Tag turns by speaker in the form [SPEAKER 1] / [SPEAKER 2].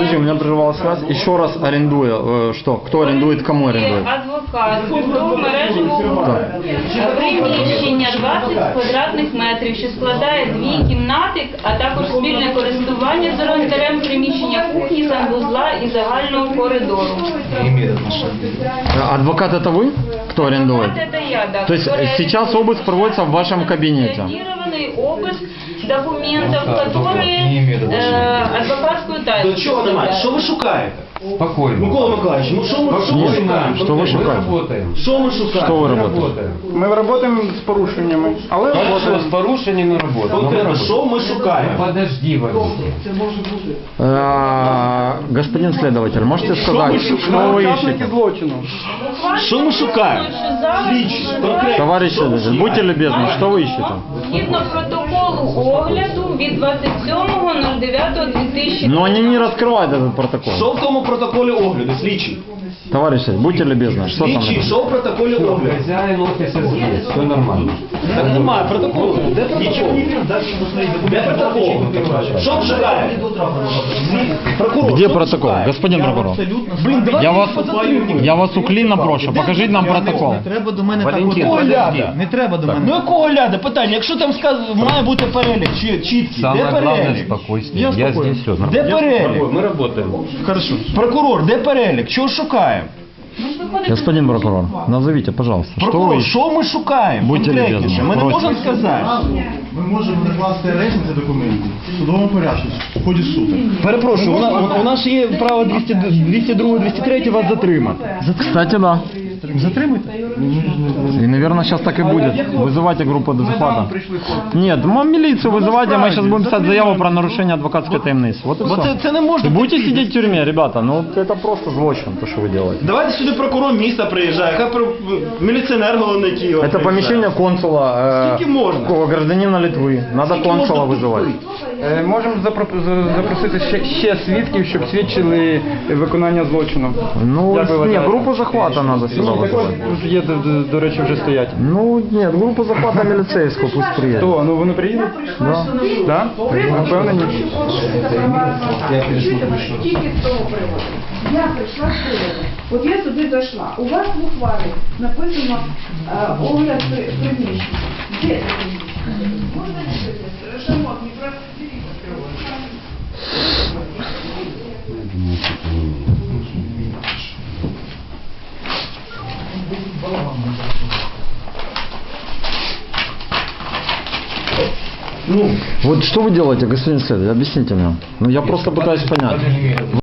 [SPEAKER 1] подожди, у меня прервалась связь. Еще раз арендуя, что? Кто арендует, кому арендует?
[SPEAKER 2] Адвокат, до мережевого приміщення 20 квадратних метрів, що складає 2 кімнати, а також спільне користування з орендарем приміщення кухні, санвузла і загального коридору.
[SPEAKER 1] Адвокат это вы? Кто арендует?
[SPEAKER 2] Адвокат это я, да.
[SPEAKER 1] То есть сейчас обыск проводится в вашем кабинете?
[SPEAKER 2] Зафиксированный обыск документов, которые адвокатскую тайну.
[SPEAKER 3] До чого немає? Що ви шукаєте?
[SPEAKER 4] Спокойно.
[SPEAKER 3] Микола Миколаївич, ну що ми шукаємо?
[SPEAKER 1] Что вы шукаете?
[SPEAKER 4] Работаем.
[SPEAKER 3] Що ми шукаємо?
[SPEAKER 1] Что вы
[SPEAKER 4] Мы
[SPEAKER 1] работаете?
[SPEAKER 4] работаем.
[SPEAKER 5] Ми працюємо з порушеннями, але
[SPEAKER 4] Хорошо, с порушениями работаем.
[SPEAKER 3] Конкретно, що ми шукаємо?
[SPEAKER 4] Подожди, водитель.
[SPEAKER 1] Господин следователь, можете сказать, что вы
[SPEAKER 5] учасники
[SPEAKER 1] ищете?
[SPEAKER 5] злочину.
[SPEAKER 3] Що ми шукаємо? Слідчі, конкретно.
[SPEAKER 1] Товарищ следователь, будьте любезны, что вы ищете?
[SPEAKER 2] Згідно протоколу огляду від 27.09.2000.
[SPEAKER 1] Но они не раскрывают этот протокол.
[SPEAKER 3] Що в тому протоколі огляду, слідчі?
[SPEAKER 1] Товарищ следователь, будьте любезны, что там?
[SPEAKER 3] Слідчі, що в протоколі огляду?
[SPEAKER 4] Хозяин офиса здесь, все нормально.
[SPEAKER 3] Так немає протоколу. Де протокол? Де протокол? Що ми шукаємо? Прокурор,
[SPEAKER 1] Где
[SPEAKER 3] що ми
[SPEAKER 1] протокол?
[SPEAKER 3] шукаємо?
[SPEAKER 1] Господин прокурор.
[SPEAKER 3] Блін, давайте
[SPEAKER 1] Я вас уклінно прошу, покажіть нам протокол.
[SPEAKER 6] Не треба до мене
[SPEAKER 4] Валентин,
[SPEAKER 6] так от.
[SPEAKER 3] подожди.
[SPEAKER 6] Не треба до
[SPEAKER 3] Ну
[SPEAKER 6] мене.
[SPEAKER 3] якого ляда? Питання, якщо там має бути перелік чіткий, де
[SPEAKER 4] Самое главное
[SPEAKER 3] перелік?
[SPEAKER 4] спокойствие. Я здесь все нормально.
[SPEAKER 3] Де перелік?
[SPEAKER 4] Мы работаем.
[SPEAKER 3] Хорошо. Прокурор, де перелік? Чого шукаємо?
[SPEAKER 1] Господин прокурор, назовите, пожалуйста, что вы
[SPEAKER 3] Прокурор,
[SPEAKER 1] ищете?
[SPEAKER 3] що ми шукаємо?
[SPEAKER 1] Будьте
[SPEAKER 3] Конкретніше.
[SPEAKER 1] любезні,
[SPEAKER 3] Ми не
[SPEAKER 1] просимо.
[SPEAKER 3] можемо сказати.
[SPEAKER 7] Ми можемо накласти арешт на ці документи в судовому порядку, в ході суду.
[SPEAKER 3] Перепрошую, у нас є право 202, 203 вас затримати.
[SPEAKER 1] Кстати, да.
[SPEAKER 7] Затримуйте.
[SPEAKER 1] И, наверное, сейчас так и будет. Вызывайте группу до захвата. Нет, милицию вызывайте, мы сейчас будем писать заяву про нарушение адвокатской таємниці. Вот и
[SPEAKER 3] Бо
[SPEAKER 1] все.
[SPEAKER 3] це не можна.
[SPEAKER 1] И будете сидеть в тюрьме, ребята, ну это просто злочин, то, что вы делаете.
[SPEAKER 3] Давайте сюди прокурор міста приїжджає, хай міліціонер головний Києва
[SPEAKER 1] Это
[SPEAKER 3] приїжджає.
[SPEAKER 1] помещение консула,
[SPEAKER 3] Скільки можна?
[SPEAKER 1] гражданина Литвы. Надо
[SPEAKER 3] Скільки
[SPEAKER 1] консула
[SPEAKER 3] можна
[SPEAKER 1] вызывать.
[SPEAKER 3] тупити?
[SPEAKER 5] Можемо запросити ще свідків, щоб свідчили виконання злочину.
[SPEAKER 1] Ну,
[SPEAKER 5] Як ви
[SPEAKER 1] нет,
[SPEAKER 5] вважаєте?
[SPEAKER 1] группу захвата надо сюда вызывать.
[SPEAKER 5] Є, до речі, вже стоять.
[SPEAKER 1] Ну, нет, группу захвата милицейскую пусть приедет.
[SPEAKER 5] То, ну вони приїдуть?
[SPEAKER 1] Да.
[SPEAKER 5] Так? Впевнені?
[SPEAKER 8] Тільки з того приводу. Я прийшла сьогодні. От я сюди зайшла. У вас в ухвалі написано огляд приміщення. Де це приміщення? Можна дивитися? Шамот, не просто
[SPEAKER 1] Вот что вы делаете, господин следователь, объясните мне. Ну, я просто пытаюсь понять.